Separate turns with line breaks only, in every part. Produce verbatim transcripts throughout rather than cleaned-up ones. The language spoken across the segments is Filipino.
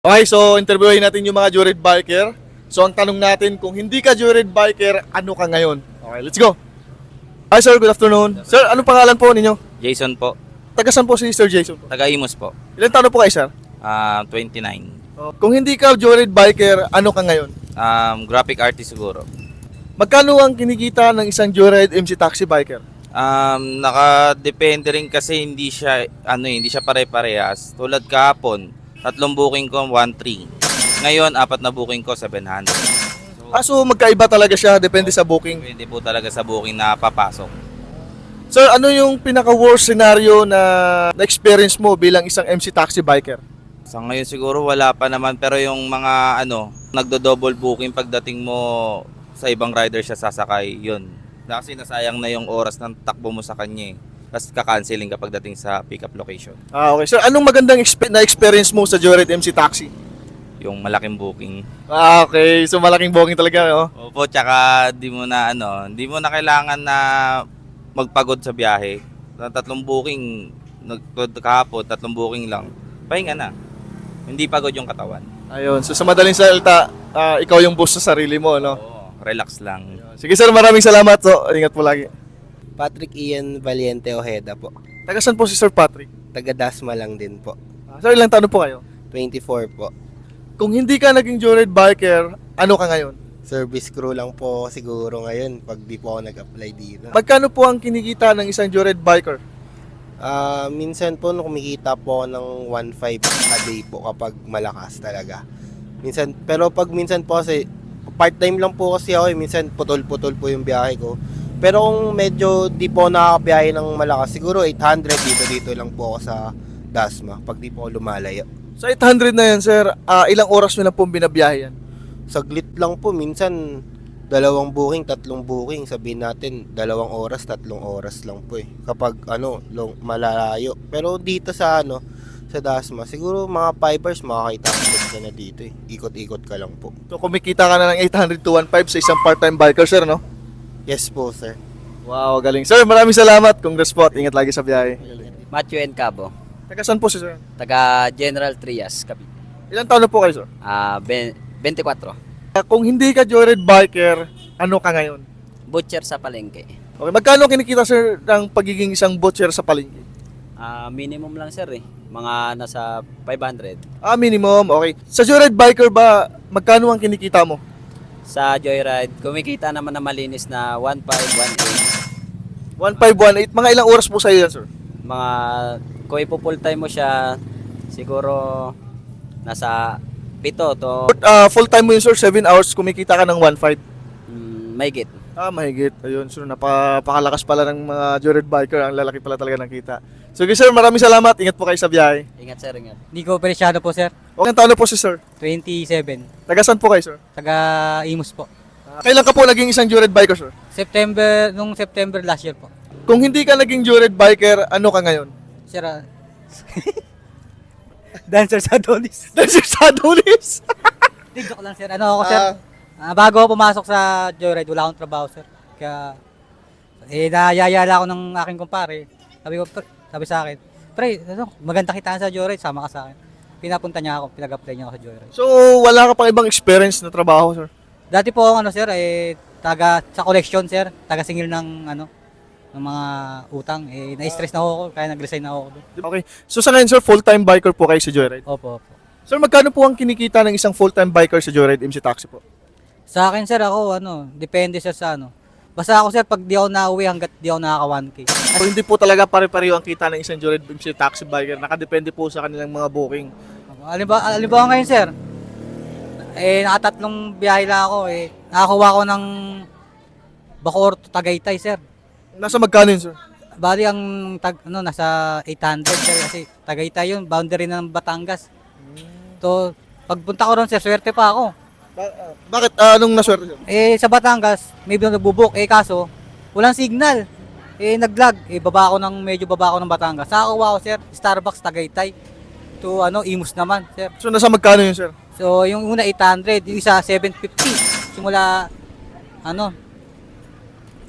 Okay, so interviewin natin yung mga Joyride biker. So ang tanong natin, kung hindi ka Joyride biker, ano ka ngayon? Okay, let's go. Hi sir, good afternoon. Sir, anong pangalan po ninyo?
Jason po.
Taga saan po si Sir Jason?
Taga-Imus po.
Ilan taon po kayo, sir?
Ah, twenty-nine.
Oh, kung hindi ka Joyride biker, ano ka ngayon?
Um, graphic artist siguro.
Magkano ang kinikita ng isang Joyride M C taxi biker?
Um, nakadepende rin kasi hindi siya ano eh, hindi siya pare-parehas. Tulad kahapon, tatlong booking ko one three. Ngayon, apat na booking ko seven hundred. So,
Ah, so magkaiba talaga siya, depende sa booking.
depende po talaga sa booking na papasok.
Sir, ano yung pinaka-worst scenario na na-experience mo bilang isang M C taxi biker?
Sa ngayon siguro wala pa naman, pero yung mga ano, nagdo-double booking pagdating mo sa ibang rider siya sasakay, yun. Kasi nasayang na yung oras ng takbo mo sa kanya eh. Tapos kakanceling kapag dating sa pick-up location.
Ah, okay. Sir, anong magandang expe- na-experience mo sa Joyride M C taxi?
Yung malaking booking.
Ah, okay. So malaking booking talaga, no?
Opo, tsaka di mo na ano, di mo na kailangan na magpagod sa biyahe. Sa tatlong booking, nagtod kahapon, tatlong booking lang. Pahinga na. Hindi pagod yung katawan.
Ayun. So sa madaling salita, ah, ikaw yung boss sa sarili mo, no?
Oo, relax lang.
Sige sir, maraming salamat. So, ingat po lagi.
Patrick Ian Valiente Ojeda po.
Taga saan po si Sir Patrick?
Taga Dasma lang din po.
Ah, sir, ilang taon po kayo?
twenty-four po.
Kung hindi ka naging Joyride biker, ano ka ngayon?
Service crew lang po siguro ngayon pag di po ako nag-apply dito.
Magkano po ang kinikita ng isang Joyride biker?
Ah, minsan po no, kumikita po ako ng one five a day po kapag malakas talaga. Minsan, pero pag minsan po kasi part-time lang po kasi ako eh. Minsan putol-putol po yung biyahe ko. Pero kung medyo di po nakakabiyahe ng malakas, siguro eight hundred dito-dito lang po ako sa Dasma pag di po ako lumalayo.
Sa eight hundred na yan, sir, ah, ilang oras mo na pong binabiyahe yan?
Saglit lang po, minsan dalawang booking, tatlong booking, sabihin natin dalawang oras, tatlong oras lang po eh. Kapag ano, long, malalayo. Pero dito sa ano, sa Dasma, siguro mga five hours makakita ka na dito eh. Ikot-ikot ka lang po.
So kumikita ka na ng eight hundred to one five sa isang part-time biker, sir, no?
Yes po, sir.
Wow, galing. Sir, maraming salamat. Congrats po at ingat lagi sa biyahe.
Matthew N. Cabo,
Taga saan po si sir?
taga General Trias, Cavite.
Ilang taon na po kayo, sir?
Ah, ben- twenty-four.
Ah, kung hindi ka Joyride biker, ano ka ngayon?
Butcher sa palengke.
Okay, magkano kinikita, sir, ng pagiging isang butcher sa palengke?
Ah, minimum lang sir eh. Mga nasa five hundred.
Ah, minimum. Okay. Sa Joyride biker ba, magkano ang kinikita mo?
Sa Joyride, kumikita naman na malinis na one five, one eight.
one five one eight. Mga ilang oras po sa'yo yan, sir?
Mga, kung ipo full time mo siya, siguro nasa pito to
Uh, full time mo yun, sir, seven hours, kumikita ka ng one five.
mm, mahigit.
Ah, mahigit. Ayun, sir, napakalakas pala ng mga Joyride biker. Ang lalaki pala talaga ng kita. Sige, sir, maraming salamat. Ingat po kayo sa biyahe.
Ingat sir, ingat.
Nico Preciado po, sir.
Okay, taon na po si sir.
twenty-seven.
Taga saan po kayo, sir?
Taga Imus po.
Ah, kailan ka po naging isang Joyride biker, sir?
September, nung September last year po.
Kung hindi ka naging Joyride biker, ano ka ngayon?
Sir, ah, dancer sa Adonis.
Dancer sa Adonis!
Hindi, joke lang, sir. Ano ako, sir?
Ah.
Ah, bago ako pumasok sa Joyride, wala akong trabaho, sir. Kaya, eh, nayayala ako ng aking kumpare. Sabi ko, "Pre," sabi sa akin, pre, ano, maganda kitaan sa Joyride, sama ka sa akin. Pinapunta niya ako, pinag-apply niya ako sa Joyride.
So, wala ka pang ibang experience na trabaho, sir?
Dati po ako, ano, sir, eh, taga, sa collection, sir. Taga singil ng, ano, ng mga utang. Eh, na-stress na ako, kaya nag-resign na ako doon.
Okay. So, sa ngayon, sir, full-time biker po kayo sa Joyride?
Opo, opo.
Sir, magkano po ang kinikita ng isang full-time biker sa Joyride M C Taxi po?
Sa akin, sir, ako, ano, depende sir sa ano. Basta ako, sir, pag di ako nauwi hanggat di ako nakaka one K.
So, hindi po talaga pare-pareho ang kita ng isang Joyride M C Taxi biker. Nakadepende po sa kanilang mga booking.
Alimbawa, alimbawa ngayon, sir, eh, nakatatlong biyahe lang ako, eh, nakakuha ko ng Bacoor to Tagaytay, sir.
Nasa magkano yun, sir?
Bali, ang, tag, ano, nasa eight hundred, sir, kasi Tagaytay yun, boundary ng Batangas. So, pagpunta ko ron, sir, swerte pa ako.
Ba- ah, bakit? Ah, anong naswerte, sir?
Eh, sa Batangas, may nagbubuk, eh, kaso, walang signal. Eh, naglag, eh, baba ako ng, medyo baba ako ng Batangas. Nakakuha ko, sir, Starbucks Tagaytay. To, ano, Imus naman, sir.
So, nasa magkano yun, sir?
So, yung una eight hundred, yung isa seven fifty. Simula, ano,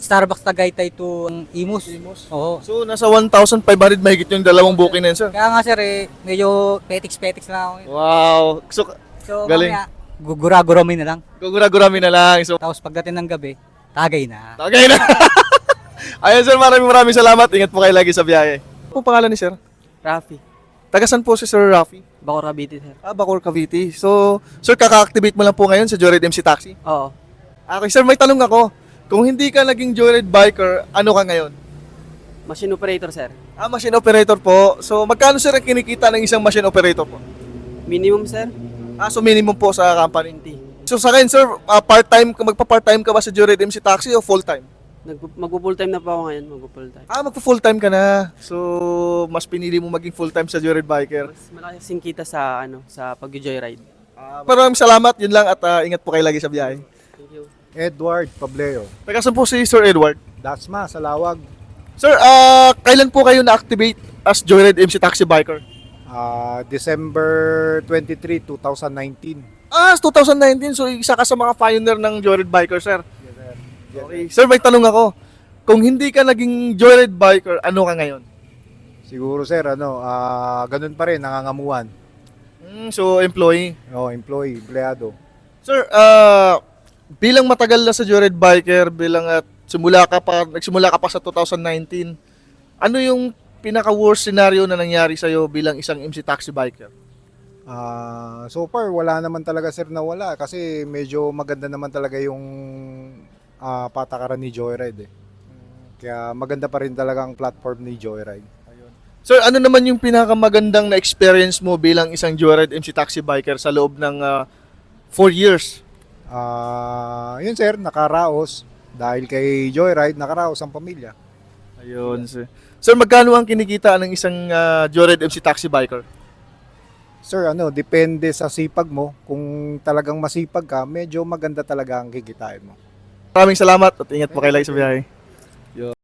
Starbucks Tagaytay to um, Imus.
Imus.
Oo.
So, nasa one thousand five hundred mahigit yung dalawang booking na yun, sir.
Kaya nga sir eh, medyo petiks-petiks lang ako.
Wow. So,
So
Galing.
mamaya, gugura-guramin na lang.
gugura-gurami na lang. So,
Tapos pagdating ng gabi, tagay na.
tagay na. Ayun, sir. Maraming maraming salamat. Ingat po kayo lagi sa biyahe. Ano po pangalan ni sir?
Rafi,
Tagasan po si Sir Rafi.
Bacor Cavite, sir.
Ah, Bacoor, Cavite. So, sir, kaka-activate mo lang po ngayon sa Joyride M C Taxi?
Oo.
Okay, sir, may tanong ako. Kung hindi ka naging Joyride biker, ano ka ngayon?
Machine operator, sir.
Ah, machine operator po. So, magkano sir ang kinikita ng isang machine operator po?
Minimum, sir,
Ah, so minimum po sa company.
twenty.
So, sa akin, sir, ah, part-time, magpa-part-time ka ba sa Joyride M C Taxi o full-time?
Nag- Magpo-full time na po ako ngayon, magpo-full time.
Ah, magpa-full-time ka na. So, mas pinili mo maging full-time sa Joyride biker.
Mas malaki kasing kita sa, ano, sa pag-joyride.
Maraming salamat. Yun lang at ah, ingat po kayo lagi sa biyahe.
Thank you.
Edward Pableo,
Tagasan po si Sir Edward.
Dasma, Salawag.
Sir, ah, kailan po kayo na-activate as Joyride M C Taxi biker?
Ah, December twenty-third, twenty nineteen.
Ah, twenty nineteen. So, isa ka sa mga pioneer ng Joyride biker, sir.
Yes, sir.
Okay. Sir, may tanong ako. Kung hindi ka naging Joyride biker, ano ka ngayon?
Siguro sir, ano, ah, ganun pa rin, nangangamuhan.
Hmm, so, employee.
Oh, employee, empleyado.
Sir, ah, bilang matagal na sa Joyride biker, bilang at simula ka pa, nagsimula ka pa sa twenty nineteen, ano yung pinaka-worst scenario na nangyari sa'yo bilang isang M C Taxi biker?
Ah, so far wala naman talaga sir na wala kasi medyo maganda naman talaga yung ah, patakaran ni Joyride eh. Kaya maganda pa rin talaga ang platform ni Joyride.
Sir, ano naman yung pinakamagandang na experience mo bilang isang Joyride M C Taxi biker sa loob ng four years?
Ah, yun sir, nakaraos dahil kay Joyride nakaraos ang pamilya.
Ayun, sir. Sir, magkano ang kinikita ng isang uh, Joyride M C Taxi biker?
Sir, ano, depende sa sipag mo. Kung talagang masipag ka, medyo maganda talaga ang kikitain mo.
Maraming salamat at ingat po kayo lagi sa biyahe.